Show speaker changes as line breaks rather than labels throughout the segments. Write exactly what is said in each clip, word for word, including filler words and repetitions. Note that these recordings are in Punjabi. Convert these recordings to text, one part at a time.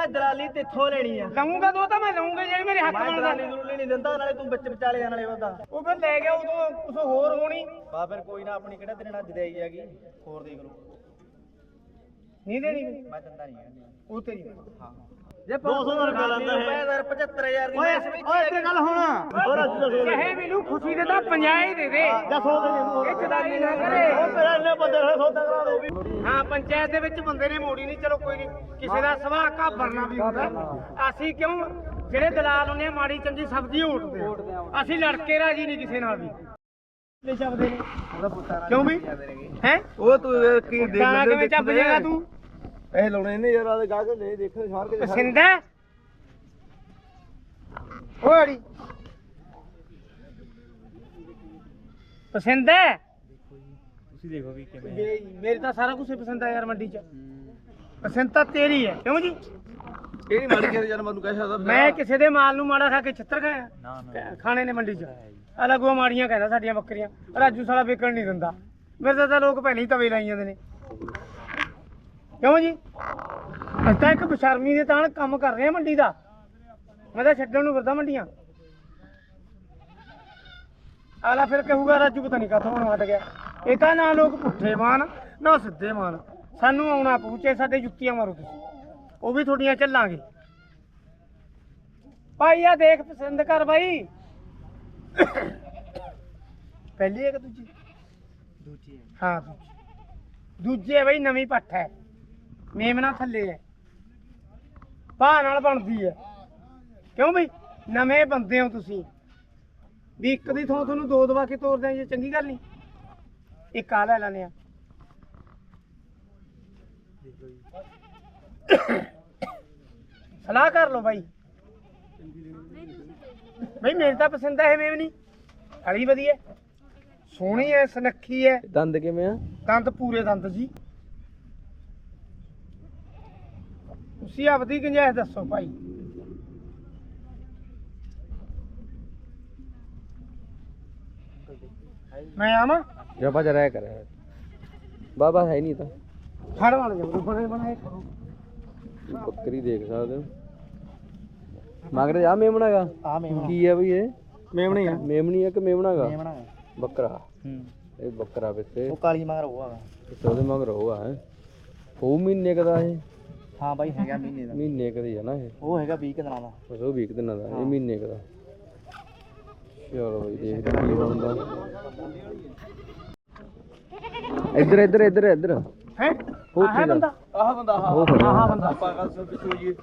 ਮੈਂ ਦਲਾਲੀ ਤੇਥੋਂ ਲੈਣੀ ਆ।
ਲਊਂਗਾ ਦੋ ਤਾਂ ਮੈਂ ਲਊਂਗਾ ਜੇ ਮੇਰੇ ਹੱਕ ਬਣਦਾ।
ਦਲਾਲੀ ਦਲੂਲੀ ਨਹੀਂ ਦਿੰਦਾ, ਨਾਲੇ ਤੂੰ ਵਿੱਚ ਵਿਚਾਲੇ ਜਾਣ ਵਾਲੇ ਉਹਦਾ।
ਉਹ ਫਿਰ ਲੈ ਗਿਆ ਉਦੋਂ ਕੁਛ ਹੋਰ ਹੋਣੀ।
ਬਾ ਫਿਰ ਕੋਈ ਨਾ, ਆਪਣੀ ਕਿਹੜਾ ਤੇਰੇ ਨਾਲ ਜਦਾਈ ਹੈਗੀ, ਹੋਰ ਦੇਖ ਲਓ।
ਨਹੀਂ ਦੇਣੀ
ਮੈਂ ਦਿੰਦਾ ਨਹੀਂ ਹੈਗਾ
ਉਹ ਤੇਰੀ।
ਹਾਂ ਜੇ ਦੋ ਸੌ ਦਾ ਰੁਪਿਆ ਲੈਂਦਾ ਹੈ ਪਝੱਤਰ ਹਜ਼ਾਰ ਦੀ
ਓਏ ਓਏ ਤੇ ਗੱਲ ਹੁਣ ਚਾਹੇ ਮੈਨੂੰ ਖੁਸ਼ੀ ਦੇ ਤਾਂ ਪੰਜਾਹ ਹੀ ਦੇ ਦੇ।
ਦੱਸੋ ਦੇ
ਇਹ ਚਦਾਰੀ ਨਾ ਕਰੇ।
ਉਹ ਤੇਰਾ ਇੰਨੇ ਬੰਦੇ ਨਾਲ ਸੌਦਾ ਕਰਾ ਦੋ।
ਹਾਂ ਪੰਚਾਇਤ ਦੇ ਵਿੱਚ ਬੰਦੇ ਨੇ ਮੋੜੀ ਨਹੀਂ, ਚਲੋ ਕੋਈ ਨਹੀਂ, ਕਿਸੇ ਦਾ ਸੁਭਾਅ ਘਾਬਰਨਾ ਵੀ ਹੁੰਦਾ। ਅਸੀਂ ਕਿਉਂ ਜਿਹੜੇ ਦਲਾਲ ਹੁੰਦੇ ਆ ਮਾੜੀ ਚੰਗੀ ਸਬਜ਼ੀ ਓਟਦੇ ਆ, ਅਸੀਂ ਲੜ ਕੇ ਰਾਜੀ ਨਹੀਂ ਕਿਸੇ ਨਾਲ ਵੀ। ਲੈ ਚੱਬਦੇ ਨੇ
ਉਹਦਾ ਪੁੱਤਾਂ
ਕਿਉਂ ਵੀ ਹੈ
ਉਹ ਤੂੰ ਕੀ ਦੇਖ
ਲੈ ਕਿਵੇਂ ਚੱਬ ਜਾਏਗਾ ਤੂੰ?
ਇਹ ਲਾਉਣੇ ਨੇ ਯਾਰ, ਆਦੇ ਗਾਹਕ ਲੈ ਦੇਖੋ ਸਾਰ ਕੇ
ਪਸੰਦ ਹੈ ਓਏ ਅੜੀ ਪਸੰਦ ਹੈ?
ਤੁਸੀਂ ਦੇਖੋ ਵੀ ਕਿਵੇਂ
ਮੇਰੇ ਤਾਂ ਸਾਰਾ ਕੁਝ ਪਸੰਦ ਆ ਯਾਰ ਮੰਡੀ 'ਚ। ਪਸੰਦ ਤਾਂ ਤੇਰੀ ਹੈ ਕਿਉਂ ਜੀ?
ਇਹ ਨਹੀਂ ਮਾੜੀ ਕਰ ਯਾਰ, ਮੈਨੂੰ ਕਹਿ ਸਕਦਾ
ਮੈਂ ਕਿਸੇ ਦੇ ਮਾਲ ਨੂੰ ਮਾੜਾ ਖਾ ਕੇ ਛਿੱਤਰ ਖਾਇਆ?
ਨਾ ਨਾ
ਖਾਣੇ ਨੇ ਮੰਡੀ 'ਚ ਅਲੱਗੋਂ ਮਾੜੀਆਂ ਕਹਿੰਦਾ ਸਾਡੀਆਂ ਬੱਕਰੀਆਂ। ਰਾਜੂ ਸਾਲਾ ਵਿਕਣ ਨਹੀਂ ਦਿੰਦਾ। ਮੇਰੇ ਤਾਂ ਲੋਕ ਪਹਿਲਾਂ ਹੀ ਤਵੇ ਲਾਈ ਜਾਂਦੇ ਨੇ ਕਿਉਂ ਜੀ? ਅਸੀਂ ਤਾਂ ਇੱਕ ਬਸ਼ਰਮੀ ਦੇ ਤਾਂ ਕੰਮ ਕਰ ਰਹੇ ਆ ਮੰਡੀ ਦਾ। ਮੈਂ ਤਾਂ ਛੱਡਣ ਨੂੰ ਫਿਰਦਾ ਮੰਡੀਆਂ। ਆਲਾ ਫਿਰ ਕਹੂਗਾ ਰਾਜੂ ਪਤਾ ਨਹੀਂ ਕਾਹਤੋਂ ਹੁਣ ਹਟ ਗਿਆ। ਇਹ ਤਾਂ ਨਾ ਲੋਕ ਪੁੱਠੇ ਮਾਨ ਨਾ ਸਿੱਧੇ ਮਾਨ। ਸਾਨੂੰ ਆਉਣਾ ਪਹੁੰਚੇ, ਸਾਡੇ ਜੁੱਤੀਆਂ ਮਾਰੋ ਤੁਸੀਂ, ਉਹ ਵੀ ਤੁਹਾਡੀਆਂ ਚੱਲਾਂਗੇ। ਭਾਈ ਆ ਦੇਖ ਪਸੰਦ ਕਰ ਬਾਈ। ਪਹਿਲੀ ਹੈ ਕਿ ਦੂਜੀ?
ਦੂਜੀ ਹੈ।
ਹਾਂ ਦੂਜੀ। ਦੂਜੀ ਹੈ ਬਾਈ, ਨਵੀਂ ਪੱਠ ਹੈ, ਮੇਮਣਾ ਥੱਲੇ ਹੈ, ਭਾਅ ਨਾਲ ਬਣਦੀ ਹੈ। ਕਿਉਂ ਬਈ ਨਵੇਂ ਬੰਦੇ ਹੋ ਤੁਸੀਂ ਵੀ ਇੱਕ ਦੀ ਥਾਂ ਤੁਹਾਨੂੰ ਦੋ ਦਵਾ ਕੇ ਤੋਰਦੇ ਆ, ਜੇ ਚੰਗੀ ਗੱਲ ਨਹੀਂ। ਇੱਕ ਆ ਲੈ ਲੈਣੇ ਆ। ਸਲਾਹ ਕਰ ਲਓ ਬਾਈ। ਬਈ ਮੇਰੇ ਤਾਂ ਪਸੰਦ ਹੈ ਇਹ ਮੇਮਣੀ, ਹਲੀ ਵਧੀਆ, ਸੋਹਣੀ ਹੈ, ਸੁਨੱਖੀ ਹੈ।
ਦੰਦ ਕਿਵੇਂ ਆ?
ਦੰਦ ਪੂਰੇ ਦੰਦ ਜੀ। ਤੁਸੀਂ ਆਪਦੀ ਗੁੰਜਾਇਸ਼ ਦੱਸੋ ਭਾਈ। ਮੈਂ ਆਵਾਂ
ਜਪਾ ਜਰਾ ਕਰ ਬਾਬਾ ਹੈ ਨਹੀਂ ਤਾਂ
ਫੜ ਵਾਲ ਜਾ ਬਣੇ ਬਣਾਏ ਕਰੋ।
ਬੱਕਰੀ ਦੇਖ ਸਕਦੇ ਹੋ ਮਗਰ ਆ ਮੇਮਣਾ ਗਾ।
ਆ ਮੇਮਣਾ
ਕੀ ਹੈ ਬਈ? ਇਹ
ਮੇਮਣੀ ਆ।
ਮੇਮਣੀ ਆ ਕਿ ਮੇਮਣਾ ਗਾ?
ਮੇਮਣਾ
ਬੱਕਰਾ।
ਹੂੰ
ਇਹ ਬੱਕਰਾ ਵਿੱਚੇ
ਉਹ ਕਾਲੀ ਮਗਰ ਉਹ ਆ।
ਉਹਦੇ ਮਗਰ ਉਹ ਆ। ਉਹ ਮਹੀਨੇ ਕਦਾ ਇਹ?
ਹਾਂ ਬਾਈ ਹੈਗਾ ਮਹੀਨੇ ਦਾ।
ਮਹੀਨੇ ਕਦੀ ਹੈ ਨਾ ਇਹ?
ਉਹ ਹੈਗਾ ਵੀਹ ਕੁ ਦਿਨਾਂ ਦਾ।
ਬਸ ਉਹ ਵੀਹ ਦਿਨਾਂ ਦਾ, ਇਹ ਮਹੀਨੇ ਕਦਾ। ਚਲੋ ਬਈ ਦੇਖਦੇ ਕੀ ਬਣਦਾ। ਇੱਧਰ ਇੱਧਰ ਇੱਧਰ ਇੱਧਰ
ਹੈ
ਉਹ
ਆਹ ਬੰਦਾ
ਆਹ ਬੰਦਾ
ਆਹ ਬੰਦਾ
ਆਪਾਂ ਗੱਲ ਸੁਣ ਪਿੱਛੇ ਹੋਈਏ।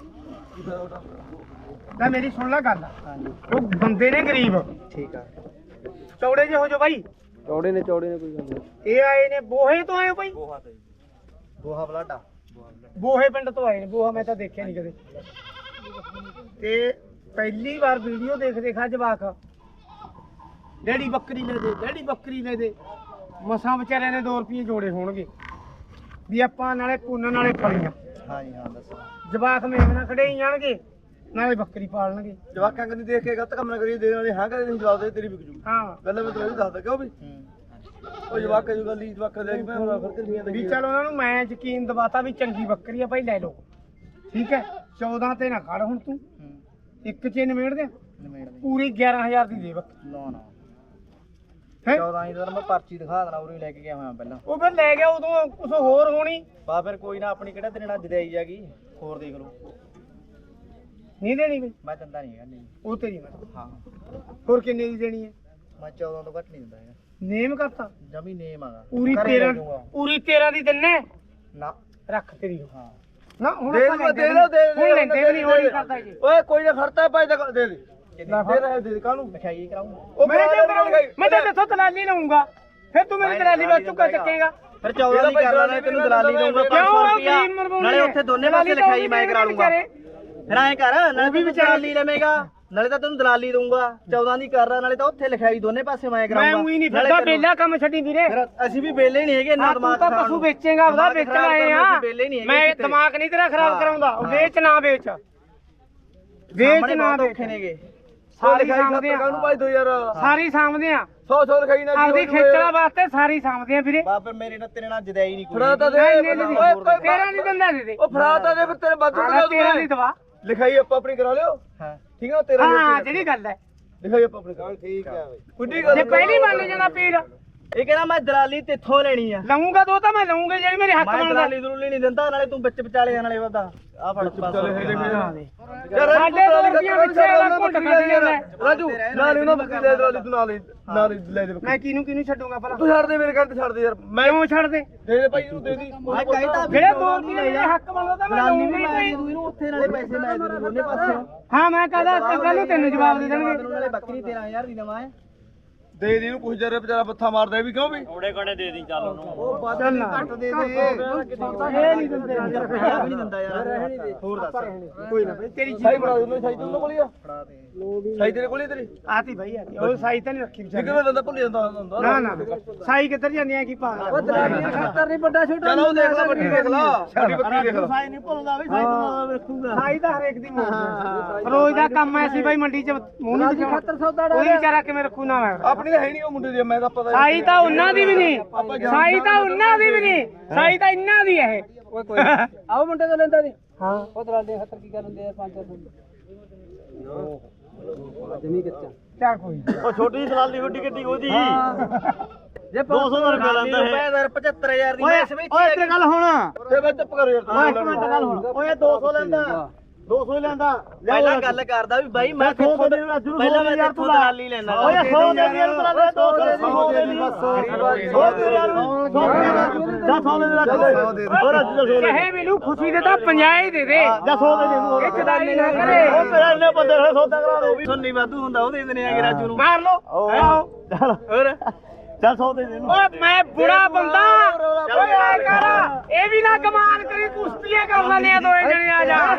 ਲੈ ਮੇਰੀ ਸੁਣ ਲੈ ਗੱਲ। ਉਹ ਬੰਦੇ ਨੇ ਗਰੀਬ।
ਠੀਕ ਆ।
ਚੌੜੇ ਜਿਹੇ ਹੋ ਜੋ ਬਾਈ।
ਚੌੜੇ ਨੇ ਚੌੜੇ ਨੇ ਕੋਈ ਗੱਲ ਨਹੀਂ।
ਇਹ ਆਏ ਨੇ ਬੋਹੇ ਤੋਂ ਆਏ ਹੋ ਬਾਈ?
ਬੋਹਾ ਤੇ ਬੋਹਾ ਬਲਾਡਾ।
ਬੋਹੇ ਪਿੰਡ ਤੋਂ ਆਏ ਨੇ। ਬੋਹਾ ਮੈਂ ਤਾਂ ਦੇਖਿਆ ਨਹੀਂ ਕਦੇ। ਤੇ ਪਹਿਲੀ ਵਾਰ ਵੀਡੀਓ ਦੇਖ ਦੇਖਾ ਜਵਾਕ ਡੈਡੀ ਬੱਕਰੀ ਲੈ ਦੇ, ਡੈਡੀ ਬੱਕਰੀ ਲੈ ਦੇ। ਮਸਾਂ ਵਿਚਾਰਿਆਂ ਨੇ ਦੋ ਰੁਪਏ ਜੋੜੇ ਹੋਣਗੇ ਵੀ ਆਪਾਂ ਨਾਲੇ ਪੁੰਨ ਨਾਲੇ ਫਲੀਆਂ।
ਹਾਂ ਜੀ ਹਾਂ ਦੱਸੋ।
ਜਵਾਕ ਮੇਮਣਾ ਖੜੇ ਹੀ ਜਾਣਗੇ ਨਾਲੇ ਬੱਕਰੀ ਪਾਲਣਗੇ।
ਜਵਾਕਾਂ ਕੰਨੀ ਦੇਖ ਕੇ ਗਲਤ ਕੰਮ ਨਾ ਕਰੀਏ, ਦੇਣ ਵਾਲੇ ਹਾਂ ਕਦੇ ਨਹੀਂ ਜਵਾਬ ਦੇ, ਤੇਰੀ ਵਿਕ ਜੂ।
ਹਾਂ
ਗੱਲ ਮੈਂ ਤੈਨੂੰ ਦੱਸਦਾ ਕਿਉਂ ਵੀ ਉਹ ਜਵਾਕਾਂ ਦੀ ਗੱਲ ਹੀ ਜਵਾਕਾਂ ਦੇ ਮੈਂ ਹੁਣ ਫਿਰ ਕਿੰਨੀਆਂ
ਵੀ ਚਲ ਉਹਨਾਂ ਨੂੰ ਮੈਂ ਯਕੀਨ ਦਿਵਾਤਾ ਵੀ ਚੰਗੀ ਬੱਕਰੀ ਆ ਭਾਈ ਲੈ ਲਓ। ਠੀਕ ਹੈ ਚੌਦਾਂ ਤੇ ਨਾ ਖੜ ਹੁਣ ਤੂੰ, ਇੱਕ ਚ ਨਿਮੇੜ ਦੇ ਪੂਰੀ ਗਿਆਰਾਂ ਹਜ਼ਾਰ ਦੀ ਦੇ ਬੱਕਰੀ।
ਨਾ ਨਾ
ਹੈ
ਚੌਦਾਂ ਹੀ ਤਾਂ ਮੈਂ ਪਰਚੀ ਦਿਖਾ ਦੇਣਾ, ਉਰੇ ਲੈ ਕੇ ਗਿਆ ਹੋਇਆ ਪਹਿਲਾਂ।
ਉਹ ਫਿਰ ਲੈ ਗਿਆ ਉਦੋਂ ਕੁਝ ਹੋਰ ਹੋਣੀ।
ਬਾ ਫਿਰ ਕੋਈ ਨਾ, ਆਪਣੀ ਕਿਹੜਾ ਤੇਰੇ ਨਾਲ ਜਦਾਈ ਜਾਗੀ, ਹੋਰ ਦੇਖ ਲਓ।
ਨਹੀਂ ਦੇਣੀ ਬਈ?
ਮੈਂ ਦਿੰਦਾ ਨਹੀਂ ਹੈਗਾ। ਨਹੀਂ
ਉਹ ਤੇਰੀ ਮੈਂ
ਹਾਂ
ਹੋਰ ਕਿੰਨੇ ਦੀ ਦੇਣੀ ਹੈ?
ਮੈਂ ਚੌਦਾਂ ਤੋਂ ਘੱਟ ਨਹੀਂ ਦਿੰਦਾ ਹੈਗਾ।
ਨੇਮ ਕਰਤਾ
ਜਮੀ ਨੇਮ ਆਗਾ
ਪੂਰੀ ਤੇਰਾਂ ਪੂਰੀ ਤੇਰਾਂ ਦੀ ਦਿੰਨੇ
ਨਾ
ਰੱਖ ਤੇਰੀ।
ਹਾਂ
ਨਾ ਹੁਣ
ਦੇ
ਆਪਾਂ
ਦੇ ਦੇ ਦੇ
ਹੁਣ ਲੈਂਦੇ ਵੀ ਨਹੀਂ ਹੋਣੀ ਕਰਦਾ ਜੀ।
ਓਏ ਕੋਈ ਨਾ ਖਰਤਾ ਪਾਈ ਦੇ ਦੇ ਦੇ ਦੇ ਦੇ ਕਾਹਨੂੰ ਲਿਖਾਈ ਕਰਾਉਂਗਾ।
ਉਹ ਮੈਂ ਮੈਂ ਤਾਂ ਇੱਥੋਂ ਦਲਾਲੀ ਲਊਂਗਾ, ਫਿਰ ਤੂੰ ਮੇਰੀ ਦਲਾਲੀ ਬਾਅਦ ਚੁੱਕਾ ਚੱਕੇਗਾ।
ਫਿਰ ਚੌਦਾਂ ਦੀ ਕਰ ਲੈਣਾ, ਤੈਨੂੰ ਦਲਾਲੀ ਦਊਂਗਾ ਪੰਜ ਸੌ ਰੁਪਿਆ, ਨਾਲੇ ਉੱਥੇ ਦੋਨੇ ਪਾਸੇ ਲਿਖਾਈ ਮੈਂ ਕਰਾ ਲੂੰਗਾ। ਫਿਰ ਐਂ ਕਰ, ਨਾਲੇ ਵੀ ਦਲਾਲੀ ਲਵੇਂਗਾ, ਨਾਲੇ ਤਾਂ ਤੈਨੂੰ ਦਲਾਲੀ ਦਊਂਗਾ। ਚੌਦਾਂ ਦੀ ਕਰ ਰਾ, ਨਾਲੇ ਤਾਂ ਉੱਥੇ ਲਿਖਾਈ ਦੋਨੇ ਪਾਸੇ ਮੈਂ ਕਰਾਉਂਗਾ।
ਮੈਂ ਉਹੀ ਨਹੀਂ ਫਿਰਦਾ ਬੇਲਾ ਕੰਮ ਛੱਡੀ ਵੀਰੇ।
ਫਿਰ ਅਸੀਂ ਵੀ ਬੇਲੇ ਨਹੀਂ ਹੈਗੇ, ਨਾ ਦਿਮਾਗ
ਤੂੰ ਤਾਂ ਪਸ਼ੂ ਵੇਚੇਗਾ, ਉਹਦਾ ਵੇਚਣ ਆਏ ਆ। ਮੈਂ ਦਿਮਾਗ ਨਹੀਂ ਤੇਰਾ ਖਰਾਬ ਕਰਾਉਂਦਾ। ਵੇਚ ਨਾ ਵੇਚ, ਵੇਚ ਨਾ ਵੇਚ।
ਨੇਗੇ
ਸਾਰੀ ਸਾਂਭਦੇ ਆ
ਕਾਹਨੂੰ ਭਾਈ ਦੋ ਯਾਰ
ਸਾਰੀ ਸਾਂਭਦੇ ਆ
ਸੌ ਸੌ ਲਿਖਾਈ ਨਾ
ਆਪਦੀ ਖੇਚਲਾ ਵਾਸਤੇ ਸਾਰੀ ਸਾਂਭਦੇ ਆ ਵੀਰੇ
ਬਾਬਰ ਮੇਰੇ ਨਾਲ ਤੇਰੇ ਨਾਲ ਜਦਾਈ ਨਹੀਂ ਕੋਈ
ਫੜਾ ਤਾਂ ਦੇ
ਨਹੀਂ ਨਹੀਂ ਤੇਰਾ ਨਹੀਂ ਦਿੰਦਾ ਦੇ ਦੇ
ਉਹ ਫੜਾ ਤਾਂ ਦੇ ਫਿਰ ਤੇਰੇ ਬਾਦੂ
ਤੇਰਾ ਨਹੀਂ ਦਵਾ
ਲਿਖਾਈ ਆਪਾਂ ਆਪਣੀ ਕਰਾ ਲਿਓ
ਹਾਂ
ਠੀਕ ਆ ਤੇਰਾ
ਹਾਂ ਜਿਹੜੀ ਗੱਲ ਹੈ
ਲਿਖਾਈ ਆਪਾਂ ਆਪਣੀ ਕਰਾ
ਠੀਕ ਹੈ ਬਈ
ਕੁੱਡੀ ਗੱਲ
ਜੇ ਪਹਿਲੀ ਮੰਨ ਜਾਂਦਾ ਪੀਰ
ਇਹ ਕਹਿੰਦਾ ਮੈਂ ਦਲਾਲੀ ਤੇਥੋਂ ਲੈਣੀ ਆ
ਲਊਂਗਾ ਦੋ ਤਾਂ ਮੈਂ ਲਊਂਗਾ ਜਿਹੜੀ ਮੇਰੇ ਹੱਕ
ਮੈਂ
ਬਣਦਾ
ਦਲਾਲੀ ਦਲੂਲੀ ਨਹੀਂ ਦਿੰਦਾ ਨਾਲੇ ਤੂੰ ਵਿੱਚ ਵਿਚਾਲੇ ਨਾਲੇ ਉਹਦਾ ਆ ਫੜ
ਚੱਲ ਇਹ ਦੇਖ
ਯਾਰ ਸਾਡੇ ਦੋ ਰੁਪਈਆ ਪਿੱਛੇ ਵਾਲਾ ਘੁੱਟ ਖਾਦੀ ਜਾਂਦਾ
ਰਾਜੂ ਨਾਲ ਉਹਨਾਂ ਬੱਕਰੀ ਲੈ ਦਰਾਲੀ ਤੂੰ ਨਾਲ ਨਾਲ ਲੈ ਦੇ
ਮੈਂ ਕਿਹਨੂੰ ਕਿਹਨੂੰ ਛੱਡੂਗਾ ਭਲਾ
ਤੂੰ ਛੱਡ ਦੇ ਮੇਰੇ ਘਰ ਤੇ ਛੱਡ ਦੇ ਯਾਰ
ਮੈਂ ਕਿਉਂ ਛੱਡ ਦੇ
ਦੇ ਦੇ ਭਾਈ ਇਹਨੂੰ ਦੇ ਦੀ
ਮੈਂ ਕਹਿੰਦਾ
ਜਿਹੜੇ ਦੋ ਰੁਪਈਏ ਮੇਰੇ ਹੱਕ ਬਣਦਾ ਤਾਂ ਮੈਂ
ਦਲਾਲੀ
ਲਊਂਗਾ
ਵੀ
ਹੀ
ਮੈਂ
ਨਹੀਂ।
ਦੂੰ ਇਹਨੂੰ ਉੱਥੇ ਨਾਲੇ ਪੈਸੇ ਲੈ ਦੂੰ ਦੋਨੇ ਪਾਸੇ
ਹਾਂ ਮੈਂ ਕਹਦਾ ਕੱਲ ਨੂੰ ਤੈਨੂੰ ਜਵਾਬ ਦੇ ਦੇਣਗੇ
ਨਾਲੇ ਬੱਕਰੀ ਤੇਰਾਂ ਹਜ਼ਾਰ ਦੀ ਦਵਾਂ ਹੈ
ਦੇ ਦੀ ਇਹਨੂੰ ਪੁੱਛ ਜਰੇ ਵਿਚਾਰਾ ਬੱਥਾ ਮਾਰਦਾ ਇਹ ਵੀ ਕਿਉਂ ਵੀ
ਥੋੜੇ ਘਣੇ ਦੇ ਦੀ ਚੱਲ ਉਹਨੂੰ ਉਹ ਵੱਧ
ਚੱਲ ਨਾ।
ਘੱਟ ਦੇ ਦੇ
ਇਹ ਨਹੀਂ ਦਿੰਦੇ
ਯਾਰ ਪੈਸਾ ਵੀ ਨਹੀਂ ਦਿੰਦਾ ਯਾਰ ਹੋਰ ਦੱਸ
ਕੋਈ ਨਾ ਬਈ ਤੇਰੀ
ਸਾਈ
ਜੀ
ਬਣਾ ਦੇ ਸਾਈ ਤੂੰ ਕੋਲ ਹੀ ਆ
ਫੜਾ ਦੇ
ਸਾਈ ਤੇਰੇ ਕੋਲ ਹੀ ਤੇਰੀ
ਆਤੀ ਭਾਈ ਆਤੀ ਉਹ ਸਾਈ ਤਾਂ ਨਹੀਂ ਰੱਖੀ ਵਿਚਾਰੀ
ਕਿਵੇਂ ਬੰਦਾ ਭੁੱਲ ਜਾਂਦਾ ਹੁੰਦਾ
ਨਾ ਨਾ ਸਾਈ ਕਿੱਧਰ ਜਾਂਦੀ ਆ ਕੀ ਪਾ
ਉਹ ਦਲਾਲੀ ਖਾਤਰ ਨਹੀਂ ਵੱਡਾ ਛੋਟਾ
ਚਲ ਉਹ ਦੇਖ ਲੈ ਵੱਡੀ ਦੇਖ ਲੈ ਵੱਡੀ ਬੱਕਰੀ ਦੇਖ ਲੈ
ਸਾਈ ਨਹੀਂ ਭੁੱਲਦਾ ਵੀ ਸਾਈ ਤੋਂ ਵੇਖੂਗਾ
ਸਾਈ ਤਾਂ ਹਰੇਕ ਦੀ ਮੋੜਦੀ ਰੋਜ਼ ਦਾ ਕੰਮ ਐ ਸੀ ਭਾਈ ਮੰਡੀ 'ਚ ਮੂੰਹ ਨਹੀਂ ਦਿਖਾਉਣਾ
ਖਾਤਰ ਸੌਦਾ
ਉਹੀ ਵਿਚਾਰਾ ਕਿਵੇਂ ਰੱਖੂ ਨਾ ਮੈਂ
ਆਪਣੀ ਤਾਂ ਹੈ ਨਹੀਂ ਉਹ ਮੁੰਡੇ ਦੀ ਮੈਂ ਤਾਂ ਪਤਾ
ਸਾਈ ਤਾਂ ਉਹਨਾਂ ਦੀ ਵੀ ਨਹੀਂ ਸਾਈ ਤਾਂ ਉਹਨਾਂ ਦੀ ਵੀ ਨਹੀਂ ਸਾਈ ਤਾਂ ਇਹਨਾਂ ਦੀ ਇਹ
ਓਏ ਕੋਈ ਆਓ ਮੁੰਡੇ ਤੋਂ ਲੈਂਦਾ ਦੀ
ਹਾਂ
ਉਹ ਦਲਾਲੀ ਖਾਤਰ ਕੀ ਕਰਨ ਦੇ ਯਾਰ ਪੰਜ ਚਾਰ ਜਮੀ ਕੱਚਾ
ਚਾ ਕੋਈ
ਉਹ ਛੋਟੀ ਦਲਾਲੀ ਵੱਡੀ ਗੱਡੀ ਉਹਦੀ ਜੇ ਦੋ ਸੌ ਦਾ ਰੁਪਏ ਲੈਂਦਾ ਹੈ ਪਚੱਤਰ ਹਜ਼ਾਰ ਦੀ ਮੈਸ ਵਿੱਚ ਓਏ ਇੱਥੇ ਗੱਲ ਹੁਣ
ਤੇ ਮੈਂ ਚੁੱਪ ਕਰ ਯਾਰ
ਓਏ ਇੱਕ ਮਿੰਟ ਗੱਲ ਹੁਣ ਓਏ ਦੋ ਸੌ ਲੈਂਦਾ ਦੋ ਸੌ ਹੀ ਲੈਂਦਾ ਪਹਿਲਾਂ ਗੱਲ ਕਰਦਾ ਵੀ ਬਾਈ ਮੈਂ ਕਿੱਥੋਂ ਪਹਿਲਾਂ ਮੈਂ ਇੱਥੋਂ ਦਲਾਲੀ ਲੈਣਾ ਓਏ ਸੌ ਦੇ ਦੀ ਇਹਨੂੰ ਦਲਾਲੀ ਦੋ ਸੌ ਦੇ ਦੀ ਬਸ ਸੌ ਦੇ ਯਾਰ ਸੌ ਦੇ ਜਾ ਸੌ ਦੇ ਦੇ ਹੋਰ ਅੱਜ ਸੌ
ਚਾਹੇ ਮੈਨੂੰ ਖੁਸ਼ੀ ਦੇ ਤਾਂ ਪੰਜਾਹ ਹੀ ਦੇ ਦੇ
ਜਾ ਸੌ ਦੇ ਦੇ
ਇਹ ਚਦਾਈ ਨਾ ਕਰੇ
ਉਹ ਤੇਰਾ ਇੰਨੇ ਬੰਦੇ ਹੋਏ ਸੌਦਾ ਕਰਾ ਦੋ ਸੁਣਨੀ ਵਾਧੂ ਹੁੰਦਾ ਉਹ ਦੇ ਦਿੰਦੇ ਆਗੇ ਰਾਜੂ ਨੂੰ
ਮਾਰ ਲੋ ਆਓ
ਚੱਲ ਹੋਰ ਚੱਲ ਸੌ ਦੇ ਦੇ
ਓਏ ਮੈਂ ਬੁੜਾ ਬੰਦਾ ਓਏ ਆ ਕਰ ਇਹ ਵੀ ਨਾ ਕਮਾਲ ਕਰੀ ਕੁਸ਼ਤੀਆਂ ਕਰ ਲੈਣੇ ਆ ਦੋਏ ਜਣੇ ਆ ਜਾ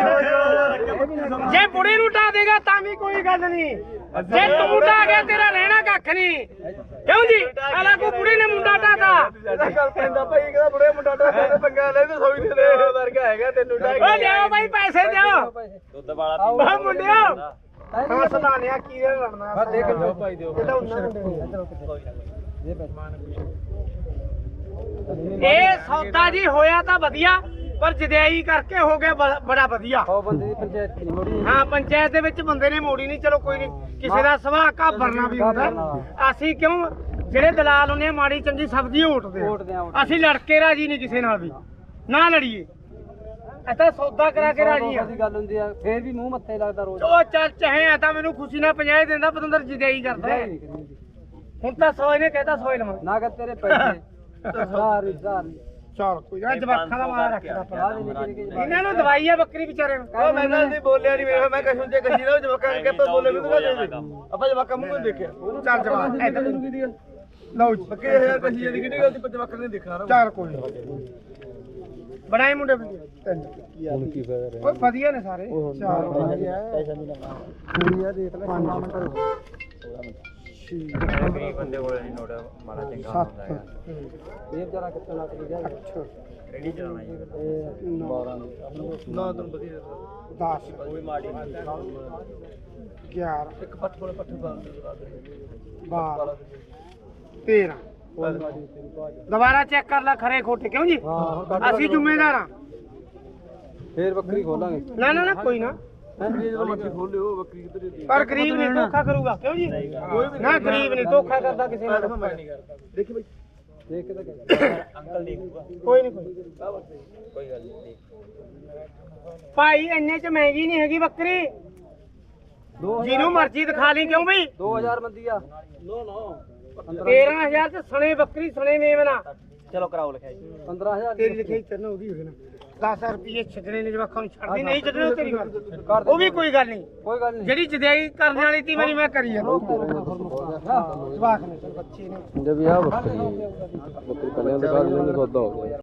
ਜੇ ਬੁੜੇ ਨੂੰ ਢਾ ਦੇਗਾ ਤਾਂ ਵੀ ਕੋਈ ਗੱਲ ਨਹੀਂ ਜੇ ਤੂੰ ਢਾ ਗਿਆ ਤੇਰਾ ਰਹਿਣਾ ਕੱਖ ਨਹੀਂ ਕਿਉਂ ਜੀ ਆਲਾ ਕੋ ਬੁੜੇ ਨੇ ਮੁੰਡਾ ਢਾਤਾ
ਗੱਲ ਪੈਂਦਾ ਭਾਈ ਕਹਿੰਦਾ ਬੁੜੇ ਮੁੰਡਾ ਡਾ ਪੰਗਾ ਲੈ ਤੇ ਸੌਈ ਦੇ ਦੇ ਵਰਗਾ ਹੈਗਾ ਤੈਨੂੰ ਡਾ
ਓ ਲਿਆਓ ਬਾਈ ਪੈਸੇ ਦਿਓ
ਦੁੱਧ ਵਾਲਾ
ਓ ਮੁੰਡਿਓ ਹਾਂ ਸਦਾਨਿਆ ਕੀ ਦੇ ਲੜਨਾ
ਦੇਖ ਲਓ ਭਾਈ ਦਿਓ
ਇਹ ਤਾਂ ਉਹਨਾਂ ਇਹ ਸੌਦਾ ਜੀ ਹੋਇਆ ਤਾਂ ਵਧੀਆ ਪਰ ਜਦਿਆਈ ਕਰਕੇ ਹੋ ਗਿਆ ਬ- ਬੜਾ ਵਧੀਆ
ਉਹ ਬੰਦੇ ਦੀ ਪੰਚਾਇਤ ਨਹੀਂ ਮੋੜੀ
ਹਾਂ ਪੰਚਾਇਤ ਦੇ ਵਿੱਚ ਬੰਦੇ ਨੇ ਮੋੜੀ ਨਹੀਂ ਚਲੋ ਕੋਈ ਨਹੀਂ ਕਿਸੇ ਦਾ ਸੁਭਾਅ ਘਾਬਰਨਾ ਵੀ ਹੁੰਦਾ ਅਸੀਂ ਕਿਉਂ ਜਿਹੜੇ ਦਲਾਲ ਹੁੰਦੇ ਆ ਮਾੜੀ ਚੰਗੀ ਸਬਜ਼ੀ ਓਟਦੇ ਆ ਅਸੀਂ ਲੜ ਕੇ ਰਾਜੀ ਨਹੀਂ ਕਿਸੇ ਨਾਲ ਵੀ ਨਾ ਲੜੀਏ ਐਸਾ ਸੌਦਾ ਕਰਾ ਕੇ ਰਾਜੀ ਆ
ਗੱਲ ਹੁੰਦੀ ਆ ਫੇਰ ਵੀ ਮੂੰਹ ਮੱਥੇ ਲੱਗਦਾ ਰੋਜ਼
ਉਹ ਚੱਲ ਚਾਹੇ ਆ ਤਾਂ ਮੈਨੂੰ ਖੁਸ਼ੀ ਨਾਲ ਪੰਜਾਹ ਦਿੰਦਾ ਪਤੰਦਰ ਜਦਿਆਈ ਕਰਦਾ ਹੈ। ਹੁਣ ਤਾਂ ਸੌ ਨੇ ਕਹਿਤਾ ਸੌ ਲਵਾਂ
ਨਾ ਕਰ ਤੇਰੇ ਪੈਸੇ ਹਜ਼ਾਰ ਹਜ਼ਾਰ
ਚਲ ਕੋਈ ਨਾ ਜਵਾਖਾਂ ਦਾ ਮਾਲ ਰੱਖਦਾ ਪੜਾ ਇਹਨਾਂ ਨੂੰ ਦਵਾਈ ਆ ਬੱਕਰੀ ਵਿਚਾਰੇ ਨੂੰ
ਉਹ ਮੈਂ ਤਾਂ ਨਹੀਂ ਬੋਲਿਆ ਨਹੀਂ ਮੇਰੇ ਮੈਂ ਕਸ਼ੂ ਤੇ ਕਸ਼ੀ ਨਾ ਜਵਾਕਾਂ ਕੇ ਆਪਾਂ ਬੋਲੇ ਵੀ ਤੂੰ ਦੇ ਦੇ ਆਪਾਂ ਜਵਾਕਾਂ ਮੂੰਹ ਨਹੀਂ ਦੇਖਿਆ
ਚੱਲ ਜਵਾਕ ਐਦਾਂ ਲਓ ਜੀ
ਬੱਕੇ ਹਜ਼ਾਰ ਕਸ਼ੀ ਦੀ ਕਿਹੜੀ ਗੱਲ ਦੀ ਜਵਾਕਾਂ ਨੇ ਦੇਖਿਆ ਨਾ
ਚੱਲ ਕੋਈ ਨੀ। ਬਣਾਏ ਮੁੰਡੇ ਤਿੰਨ
ਹੁਣ ਕੀ ਫਾਇਦਾ
ਓਏ ਵਧੀਆ ਨੇ ਸਾਰੇ ਚਾਰ
ਪੈਸਾ ਨਹੀਂ ਲੱਗਣਾ ਕੁੜੀਆ ਦੇਖ ਲੈ ਪੰਜ ਮਿੰਟ ਗਰੀਬ ਬੰਦੇ ਕੋਲ ਨਹੀਂ ਨੋਟ ਮਾੜਾ ਚੰਗਾ ਹੁੰਦਾ ਹੈ ਇਹ ਜਰਾ ਕਿੱਥੇ ਲੱਗ ਗਿਆ ਰੈਡੀ ਚਲਾਉਣਾ ਜੀ ਇਹ ਬਾਰਾਂ
ਨਾ ਤੈਨੂੰ ਵਧੀਆ
ਦਸ
ਕੋਈ ਮਾੜੀ ਨਹੀਂ
ਗਿਆਰਾਂ
ਇੱਕ ਪੱਠ ਕੋਲ ਪੱਠ ਬਾਲ
ਬਾਰਾਂ ਤੇਰਾਂ ਦੁਬਾਰਾ ਚੈੱਕ ਕਰ ਲੈ ਖਰੇ ਖੋਟੇ ਕਿਉਂ ਜੀ ਅਸੀਂ ਜ਼ਿੰਮੇਦਾਰ ਆ
ਫੇਰ ਬੱਕਰੀ ਖੋਲਾਂਗੇ
ਨਾ ਨਾ ਨਾ ਕੋਈ ਨਾ
ਬੱਕਰੀ ਖੋਲਿਓ ਬੱਕਰੀ ਕਿੱਧਰ
ਪਰ ਗਰੀਬ ਨਹੀਂ ਧੋਖਾ ਕਰੂਗਾ ਕਿਉਂ ਜੀ ਨਾ ਗਰੀਬ ਨਹੀਂ ਧੋਖਾ ਕਰਦਾ ਕਿਸੇ ਨਾਲ
ਮੈਂ ਨਹੀਂ ਕਰਦਾ ਦੇਖੀ ਬਈ
ਦੇਖ ਕੇ ਤਾਂ ਅੰਕਲ ਦੇਖੂਗਾ
ਕੋਈ ਨਹੀਂ ਕੋਈ
ਕੋਈ ਗੱਲ ਨਹੀਂ
ਭਾਈ ਇੰਨੇ ਚ ਮਹਿੰਗੀ ਨਹੀਂ ਹੈਗੀ ਬੱਕਰੀ ਜਿਹਨੂੰ ਮਰਜ਼ੀ ਦਿਖਾ ਲਈ ਕਿਉਂ ਬਈ
ਦੋ ਹਜ਼ਾਰ ਬੰਦੀ ਆ
ਤੇਰਾਂ ਹਜ਼ਾਰ ਚ ਸਣੇ ਬੱਕਰੀ ਸਣੇ ਮੇਵਨਾ
ਚਲੋ ਕਰਾਓ ਲਿਖਾਈ ਪੰਦਰਾਂ ਹਜ਼ਾਰ
ਤੇਰੀ ਲਿਖਾਈ ਤੈਨੂੰ ਉਹਦੀ ਹੋਵੇ ਨਾ ਦਸ ਰੁਪਏ ਛੱਡਣੇ ਨੇ ਜਵਾਕਾਂ ਨੂੰ ਛੱਡਦੀ ਨਹੀਂ ਛੱਡਣੇ ਉਹ ਤੇਰੀ ਗੱਲ ਉਹ ਵੀ ਕੋਈ ਗੱਲ ਨਹੀਂ
ਕੋਈ ਗੱਲ ਨਹੀਂ
ਜਿਹੜੀ ਜਦਿਆਈ ਕਰਨ ਵਾਲੀ ਤੀ ਮੇਰੀ ਮੈਂ ਕਰੀ ਆ ਜਵਾਕ ਨੇ ਬੱਚੇ ਨੇ
ਜਬ ਯਾ ਬੱਕਰੀ ਬੱਕਰੀ ਕੱਲੇ ਦੁਕਾਨ ਨਹੀਂ ਸੌਦਾ ਹੋ ਗਿਆ